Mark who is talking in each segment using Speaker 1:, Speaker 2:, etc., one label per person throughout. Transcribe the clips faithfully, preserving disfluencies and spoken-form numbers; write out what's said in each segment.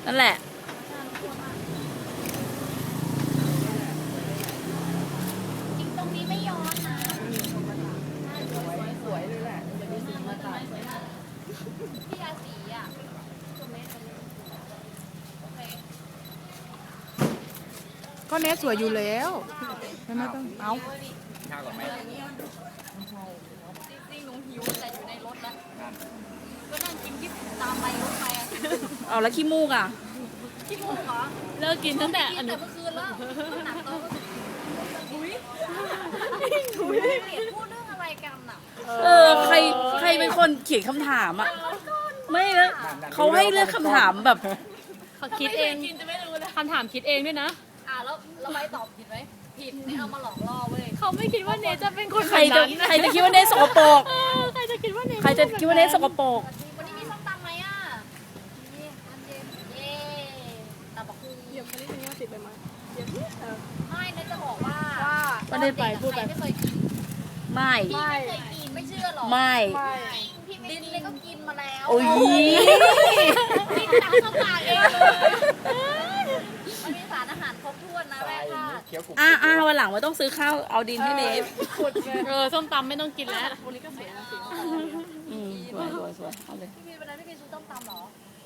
Speaker 1: นั่นแหละ
Speaker 2: จริงตรงนี้ไม่ย้อนนะ
Speaker 3: สวยเลยแหละจะมีสีมาตัด
Speaker 2: พี่ยาสีอ่ะโอเค
Speaker 4: ก็เนสสวยอยู่แล้วไม่ไม่ต้องเอา
Speaker 3: ข้าวก่อนไหม
Speaker 2: จริงๆหนูหิวแต่อยู่ในรถนะก็นั่งกินที่ตามไปรถไปอ่ะ
Speaker 1: เอาแล้วขี้มูกอ่ะ
Speaker 2: ที่มุกเหรอ
Speaker 5: เลิกกินตั้งแต่
Speaker 2: กิ
Speaker 5: อน นุ
Speaker 2: แต่เมื่อคืนแล้วหนักตัวอุ้ยอุ้ยเกลียดพูดเรื่องอะไรกันอ่ะ
Speaker 1: เออใครใครเป็นคนเขียนคำถามอ่ะไม่แล้วเขาให้เลือกคำถามแบบ
Speaker 5: เขาคิดเองคำถามคิดเองด้วยนะ
Speaker 2: อ่ะแล้วเราไปตอบผิดไหมผิดนี่เอามาหลอกล่อเว้ย
Speaker 5: เขาไม่คิดว่าเนจะเป็นคน
Speaker 1: ใคร
Speaker 5: แบบ
Speaker 1: จะ
Speaker 5: นั้น
Speaker 1: ใครจะคิดว่าเนสสกปรก
Speaker 5: เออใครจะคิดว่าเน
Speaker 1: ใครจะคิดว่าเนสสกปรก
Speaker 2: วันนี้มีส้มตำไหมอ่ะนี่อันเย็นเย่ตำบักหุ่ง
Speaker 5: เดี๋ยวคนนี้มีว่าติดไปมา
Speaker 2: ไม่นะจะบอกว่า
Speaker 5: ไม่ได้ไปพูดไป
Speaker 2: ไม่เคยกิน
Speaker 1: ไม่
Speaker 2: พี่ไม่เคยกินไม่เชื่อหรอ
Speaker 1: ไม่
Speaker 2: พี่ดินเลยก็กินมาแล้ว
Speaker 1: โอ้ย
Speaker 2: กินตามสปากเองเลยมันมีสารอาหารครบถ้วนนะแม่ค่ะ
Speaker 3: เคี้ยวกรุบ
Speaker 1: อ่ะอ่ะวันหลังไม่ต้องซื้อข้าวเอาดินให้เนส
Speaker 5: เออส้มตำไม่ต้องกินแล้ววันนี้ก็เสียเสีย
Speaker 1: อืมสวยสวยสวยเอาเลย
Speaker 2: พี่พีวันนั้นพี่พีซื้อต้มตำเหรอ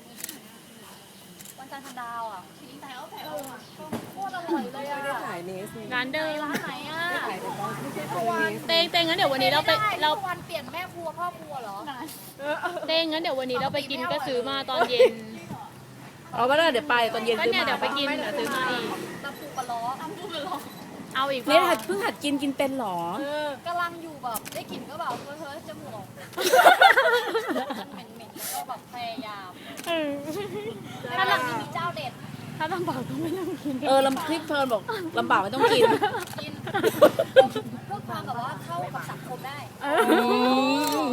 Speaker 2: วันจันทร์พันดาวอ่ะทิ้งแถวแถวอ่ะโคตรอร่อยเลยอ่ะ
Speaker 3: ไม่ได้ถ่ายเนสนี่
Speaker 5: ร้านเดิม
Speaker 2: ร้านไหนอ่ะ
Speaker 3: ถ่ายแต่ตอนไม่ใช่ถ่ายเนส
Speaker 5: เตงเตงงั้นเดี๋ยววันนี้เราไปเรา
Speaker 2: ทุกวันเปลี่ยนแม่ครัวพ่อครัวเหรอ
Speaker 5: เตงงั้นเดี๋ยววันนี้เราไปกินก็ซื้อมาตอนเย็น
Speaker 1: เอาไปแล้วเดี๋ยวไปตอนเย็น
Speaker 5: ก็
Speaker 1: ซื้อ
Speaker 5: เนี่ย
Speaker 1: มา
Speaker 5: เดี๋ยวไปกินเดี๋ยวซื้อมาอีก
Speaker 2: ตำปูปลาล้อตำปูปลาล้อ
Speaker 5: เอาอีก
Speaker 1: เนสหัดเพิ่งหัดกินกินเป็นเหรอ
Speaker 2: กำลังอยู่แบบได้กลิ่นก็แบบเฮ้ยเฮ้ยจมูกเหม็นเหม็นๆก็แบบพยายาม
Speaker 5: เออ
Speaker 2: ถ้าหลังนี้มีเจ้าเด็ด
Speaker 5: ถ้าลำบากก็ไม่ต้องกิน
Speaker 1: เออลำคลิปเฟิร์นบอกลำบากไม่ต้องกิน
Speaker 2: กินเพื่อความแบบว่าเข้ากับสังคมได้
Speaker 1: อืม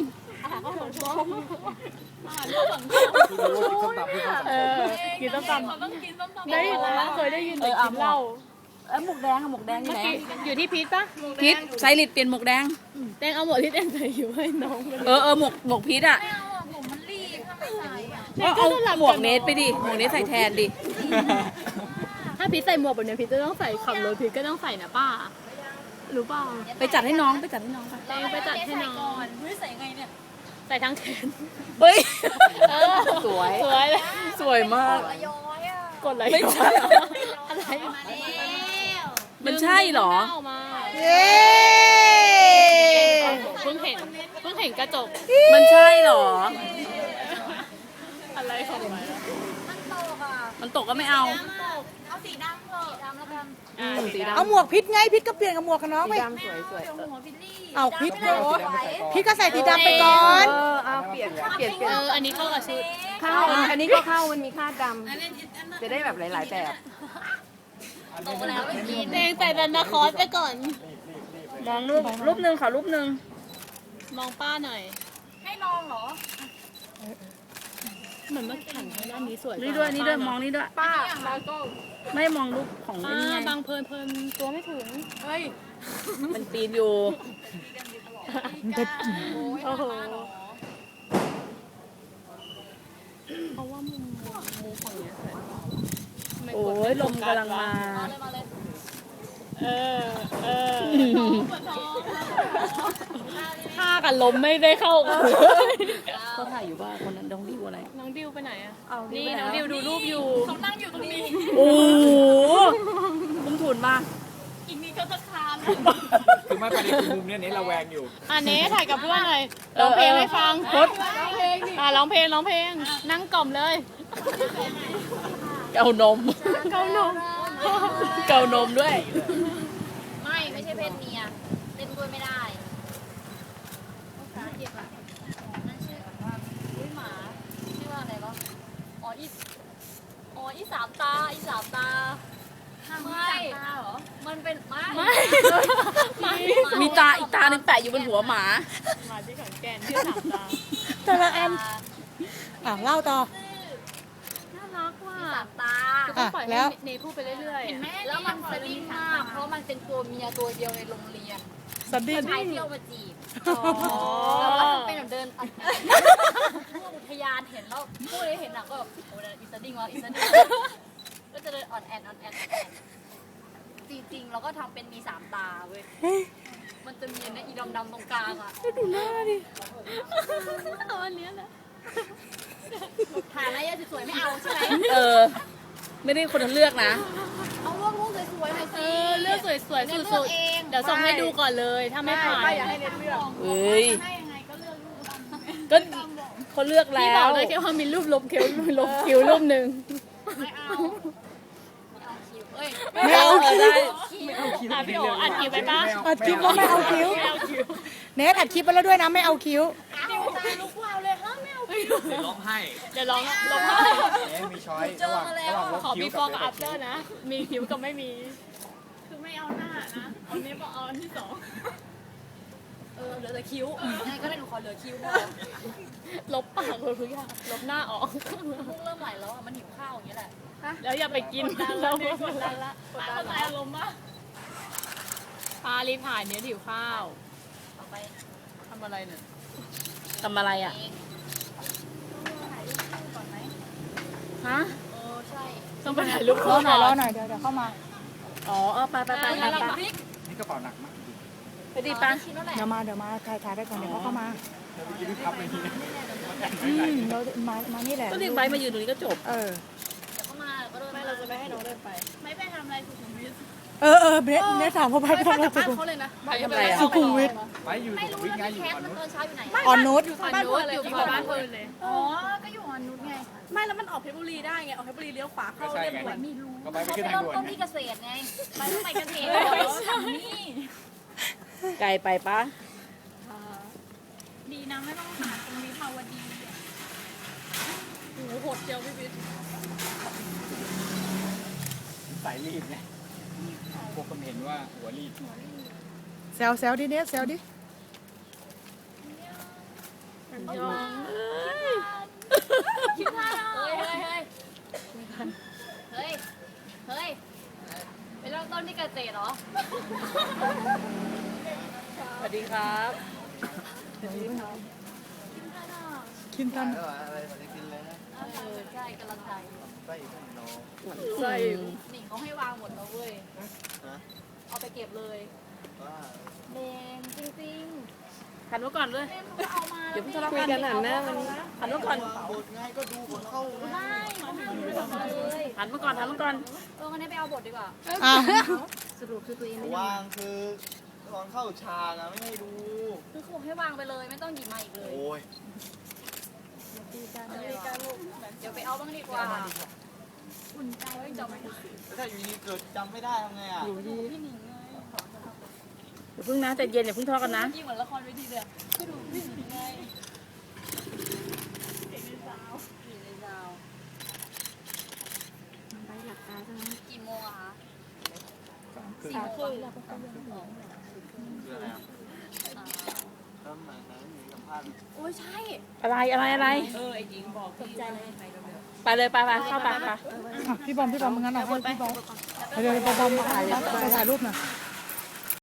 Speaker 3: ที่รู้ว่าส้มตำที่เขา
Speaker 5: เออกินส้มตำต้องกินส้มตำได้ยินนะเคยได้ยินแต่กินเหล้า
Speaker 1: เอ้ยหมวกแดงอะหมวกแดงอยู่
Speaker 5: เมื่อ
Speaker 1: ไหน
Speaker 5: กี้อยู่ที่พีทปะ
Speaker 1: พิษไซริดเปลี่ยนหมวกแดง
Speaker 5: เตงเอาหมวกที่เตงใส่อยู่ให้น้องไป
Speaker 1: เออเออหมวกหมวกพิษอะ
Speaker 2: ไม่เอาอ่ะผมมันรีบถ้าไม่ใส่อ่ะ
Speaker 1: เอาเอาหมวกเนสไปดิหมวกเนสใส่แทนดิ
Speaker 5: ถ้าพีทใส่หมวกแบบเนี้ยพีทจะต้องใส่ขับรถพีทก็ต้องใส่นะป้ารู้เปล่า
Speaker 1: ไปจัดให้น้องไปจัดให้น้องไป
Speaker 5: เตงไปจัดให้น้อง
Speaker 2: เฮ้ยใส่ไงเนี่ย
Speaker 5: ใส่ทั้งแขน
Speaker 1: เฮ้ย
Speaker 5: เออ
Speaker 1: สวย
Speaker 5: สวยเลย
Speaker 1: สวยมาก
Speaker 2: ระย้อยอ่ะ
Speaker 5: กดอะไร
Speaker 1: ไม่ใช่
Speaker 5: อะไร
Speaker 2: มาแล้ว
Speaker 1: มันใช่เหรอ
Speaker 5: ดึงมา
Speaker 4: เย้
Speaker 5: เพิ่งเห็นเพิ่งเห็นกระจก
Speaker 1: มันใช่เหรอ
Speaker 5: อะไรของมัน
Speaker 2: มันตกอ่ะ
Speaker 1: มันตกก็ไม่เอา
Speaker 2: มันตกเอาสีดำเถอะดำแล้วกัน
Speaker 5: อ่าสีดำ
Speaker 4: เอาหมวกพิษไงพิษก็เปลี่ยนกับหมวกกับน้องไป
Speaker 3: ดำสวยสวย
Speaker 2: เดี๋ยวหัวพิลลี่
Speaker 4: เอาพิษ
Speaker 2: ไม่ได้
Speaker 4: โอ้
Speaker 2: สวย
Speaker 4: พิษก็ใส่สีดำไปก่อน
Speaker 3: เออเอาเปลี่ยนเปลี่ยนเปลี่ยน
Speaker 5: เอออันนี้เข้ากับชุด
Speaker 3: เข้าอันนี้ก็เข้ามันมีคาดดำจะได้แบบหลาย ๆ แบบ
Speaker 2: ตกแล้วไม่กิน
Speaker 5: เตงใส่ดันนาคอสไปก่อน
Speaker 1: มองรูปรูปหนึ่งขอรูปหนึ่ง
Speaker 5: มองป้าหน่อย
Speaker 2: ให้ลองเหรอ
Speaker 5: เหมือนเมื่อกี้หันทางด้านนี้สวย
Speaker 1: นี่ด้วยนี่ด้วยมองนี่ด้วย
Speaker 5: ป้าแล้วก็
Speaker 1: ไม่มองรูปของ
Speaker 5: ป้า
Speaker 1: นี่ไง
Speaker 5: บางเพลินเพลินตัวไม่ถึงเฮ้ย
Speaker 1: มันปีนอยู่
Speaker 5: โอ้โหเพราะว่ามุมมุมฝั่งเนี้ยสวยทำไม
Speaker 1: โอ้
Speaker 5: กด
Speaker 1: ยลมกำลังมา
Speaker 2: มาเลยมาเลย
Speaker 5: เออเออท่ากับลมไม่ได้เข้ากัน
Speaker 1: เขาถ่ายอยู่บ้านคนนั้นดองดิวอะไร
Speaker 5: น้องดิวไปไหนอะ
Speaker 1: เอาดิว
Speaker 5: นี่
Speaker 1: ไปไหน
Speaker 5: น้องดิวดูรูปอยู่
Speaker 2: เขานั่งอยู่ตรงนี้
Speaker 1: โอ้โหคุ้มทุนมาก
Speaker 2: อีกนี้ก็จะคาน
Speaker 3: คือไม่ประเด็นคือมุมเนี้ยเนสระแวงอยู่
Speaker 5: อันนี้ถ่ายกับเพื่อนหน่อยร้องเพลงให้ฟัง
Speaker 1: พด
Speaker 5: อ่าร้องเพลงร้องเพลง นั่งกล่อมเลย
Speaker 1: เกานม
Speaker 5: เกาหนม
Speaker 1: เกานมด้วย
Speaker 2: ไม่ไม่ใช่เพศเมียเล่นด้วยไม่ได้ภาษาเก็บอ่ะนั่นชื่อว่าอุ้ยหมาชื่อว่าอะไรวะอ๋ออีอ๋ออีสามตาอีสามตาไม่มันเป็นไม่
Speaker 5: ไม่ไม่
Speaker 1: มีตาอีกตาหนึ่งแปะอยู่บนหัวหมา
Speaker 5: มาที่ขอนแก่นชื่อสามตา
Speaker 4: แต่ละอันอ่ะเล่าต่อ
Speaker 5: น่ารักว่ะ
Speaker 2: สามตา
Speaker 5: ก็ปล่อย
Speaker 4: แล้
Speaker 5: ให้
Speaker 4: ว
Speaker 5: เนพูดไปเรื่อยๆอะ
Speaker 2: แล้วมันสลิมมากเพราะมันเป็นตัวเมียตัวเดียวในโรงเรียน
Speaker 4: สันดิ้ง
Speaker 2: ชายเที่ยวมาจีบ
Speaker 5: อ๋อ
Speaker 2: แล้วก็เป็นแบบเดินพวกอุทยานเห็นแล้วพูดเลยเห็นหนังก็แบบโอ้ยอีสติ้งวะอีสติ้งก็จะเดินอ่อนแอนอ่อนแอนอ่อนแอนจริงๆเราก็ทำเป็นมีสามตาเว้ยมันจะมีเนี่ยอีดำๆตรงกลางอ่ะ
Speaker 1: ดูหน้าดิ
Speaker 5: เอาอันเนี้ยแหละ
Speaker 2: ฐานอะไรอะสวยๆไม่เอาใช่ไหม
Speaker 1: เออ ไม่ได้คนเลือกนะ
Speaker 2: เอารูปรูปสวยๆหน่อย
Speaker 5: เอ
Speaker 2: สิ
Speaker 5: อเลือกสวยๆ
Speaker 2: เลือก
Speaker 5: สุด
Speaker 2: เอง
Speaker 5: ๆเดี๋ยวส่งให้ดูก่อนเลยถ้าไม่ผ่าน
Speaker 4: ป้าอย่าให้เน็ตเลือก
Speaker 1: เอ้ย
Speaker 2: ให้ยังไงก็เลือกรูป
Speaker 1: ก็เขาเลือก
Speaker 5: พี่
Speaker 1: แล้
Speaker 5: บอ
Speaker 1: ว
Speaker 5: กได้แค่ว่ามีรูปลบคิ้วลบคิ้วรูปหนึ่ง
Speaker 2: ไม่เอาไม่เอาคิวเอ้ย
Speaker 1: ไม่เอาเออได้
Speaker 5: อ่ะพี่โออัดคิ้วไปปะ
Speaker 4: อัดคลิปแล้วไม่เอาคิ้ว
Speaker 5: ไม่เอาคิ้ว
Speaker 4: เนทอัดคลิปไปแล้วด้วยนะไม่เอาคิ้ว
Speaker 2: ดิวตาลุกวาวเลยฮะไม่เอาคิว
Speaker 6: เดี๋ยวลบให้
Speaker 5: เดี๋ยวลองลบให้
Speaker 6: เอ๊ะมีช้อยระหว่างระหว่างลบ
Speaker 5: ขอ
Speaker 6: คิ้ว
Speaker 5: before
Speaker 6: กับ
Speaker 5: กับ after นะ มีคิ้วกับไม่มี คือไม่เอาหน้านะเอาเนี้ยบอกเอาอันที่สอง
Speaker 2: เออเหลือแต่คิ้วยังไงก็ได้หนูขอเหลือคิ้วพอ
Speaker 5: ลบปากเลยทุกอย่างลบหน้าออก
Speaker 2: มุกเริ่มไหลแล้วอ่ะมันหิวข้าวอย่างเงี้ยแหละ
Speaker 5: แล้วอย่าไปกินแล้วกดดันละกดดันละอารมณ์มากพารีบถ่ายเนี้ยถิวข้าว
Speaker 2: ต่อไป
Speaker 5: ทำอะไรเนี่ย
Speaker 1: ทำอะไรอ่ะ
Speaker 2: เอง
Speaker 1: ฮะ
Speaker 2: เออใช่
Speaker 5: ต้องไปถ่ายรูป
Speaker 4: ร
Speaker 5: คู่
Speaker 4: อหน่อยร
Speaker 5: ก่
Speaker 4: อน หน่อยเดี๋ยวเดี๋ยวเข้ามา
Speaker 1: อ๋อเออไปไปไปไป
Speaker 2: แล้ว
Speaker 1: ไป
Speaker 2: พริก
Speaker 6: นี่กระเป๋าหนักมาก
Speaker 1: ไปดิปะ
Speaker 2: ชิ้นแล้วแหละ
Speaker 4: เดี๋ยวมาเดี๋ยวมาถ่ายถ่ายไปก่อนเดี๋ยวเขาเข้ามา
Speaker 6: แล้วเมื่อกี้ที่พับไปทีนะ
Speaker 4: อืมเรามามานี่แหละ
Speaker 1: ก็เรียกใบมายืนตรงนี้ก็จบ
Speaker 4: เออ
Speaker 2: เดี๋ยวเข้ามาก็เดิน
Speaker 5: ไม่เราจะไม่ให้น้องเดินไป
Speaker 2: ไม่ไปทำอะไรสุขุมวิท
Speaker 4: เออเออเนทเนทถามเขาไปไปทำอะไรสุขุม
Speaker 2: เขาเลยนะ
Speaker 1: ไปทำอะไรอ่ะ
Speaker 4: สุขุมวิท
Speaker 6: ไปอยู่
Speaker 2: ไม่
Speaker 6: สุ
Speaker 2: รู้
Speaker 6: ขุมวิท
Speaker 2: แล้ว
Speaker 6: ไงอยู่
Speaker 2: พี่แคท
Speaker 6: ก่อน
Speaker 2: มัน
Speaker 6: นู้น
Speaker 2: ตอนเช้าอยู่ไหน
Speaker 4: ออนนุช
Speaker 5: บ้านเพื่อนเลยอยู่บ้านเพื่อนเลย
Speaker 2: อ๋อก็อยู่ออนนุชไง
Speaker 7: ไม่แล้วมันออกเพชรบุรีได้ไง ออกเพชรบุรีเลี้ยวขวา
Speaker 6: ก็
Speaker 7: เข้า
Speaker 6: ใช่
Speaker 7: เรียบ
Speaker 6: ไง
Speaker 7: ด่วน
Speaker 6: ก็ไปไป
Speaker 2: เขา
Speaker 6: ขึ้น
Speaker 2: ไป
Speaker 6: ทาง
Speaker 2: เริ่ม
Speaker 6: ด่วน
Speaker 2: ต้นที่เกษตรไงไปต้องไปเกษตรนี่
Speaker 1: ไกลไปปะ
Speaker 2: ดีนะไม่ต้องหาตรงวิภาวดี
Speaker 5: โอ้โหโหดเจียวพี่บิ๊ก
Speaker 6: สายรีบไงพวกคนเห็นว่าหัวรีบ
Speaker 4: แซวแซวดิเนทแซวดิ
Speaker 2: คิดท่าเฮ้ยเฮ้ยเฮ้ยเฮ้ยไปเริ่มต้นที่เกษตรเหรอ
Speaker 1: สวัสดีครับ
Speaker 4: คินตัน
Speaker 6: อะไรมาได้กินเลยนะ
Speaker 2: เออใช่กำลังใจ
Speaker 6: ไปอีกน้อง
Speaker 1: ใส่
Speaker 2: หนิงเขาให้วางหมดแล้วเว้ย เอาไปเก็บเลย
Speaker 6: ว่า
Speaker 2: เลงจริง
Speaker 1: หันมาก่อนเลย
Speaker 2: ๆเล่นเขาก็เอามา
Speaker 1: เดี๋ยวเพิ่งทะเลาะกันหันหน้ามันหันมาก่อน
Speaker 6: บทไงก็ดูคนเข้านะ
Speaker 2: ได้เขาห้ามดูมาเลย
Speaker 1: หันมาก่อนหันมาก่อน
Speaker 2: เอองั้นให้ไปเอาบทดีกว่า
Speaker 4: อ้าว
Speaker 6: วางคือตอนเข้าฉากอะไม่ให้ดู
Speaker 2: คือเขาบอกให้วางไปเลยไม่ต้องหยิบมาอีกเลย
Speaker 6: โอ้ย
Speaker 2: เดี๋ยวไปเอาบ้างดีกว่าอุ่นใจไว้จบไหม
Speaker 6: ถ้าอยู่ดีเกิดจำไม่ได้ทำไงอ่ะ
Speaker 2: พี่หนิงไง
Speaker 1: อย่าเพิ่งนะใจเย็นอย่าเพิ่งทะเลาะกันนะ
Speaker 2: ยิ่งเหมือนละครเวทีเลยอะก็ดูพี่หนิงไงเก่งในสาวเก่งในสาวไปหลับตาใช่ไหมกี่โมงอะคะ
Speaker 6: สามครึ่งคืออะไรอ่ะ
Speaker 2: อ่า
Speaker 6: ก็เหมือนนั้นมีสัมภาษณ์
Speaker 2: โอ้ยใช่
Speaker 1: อะไรอะไรอะไร
Speaker 2: ตกใจเลย
Speaker 1: ไปเลยไปไปเข้าไปไป
Speaker 4: อ่ะพี่บอมพี่บอมงั้นเอาให้พี่บอมเดี๋ยวเดี๋ยวบอมมาถ่ายไปถ่ายรูปหน่อย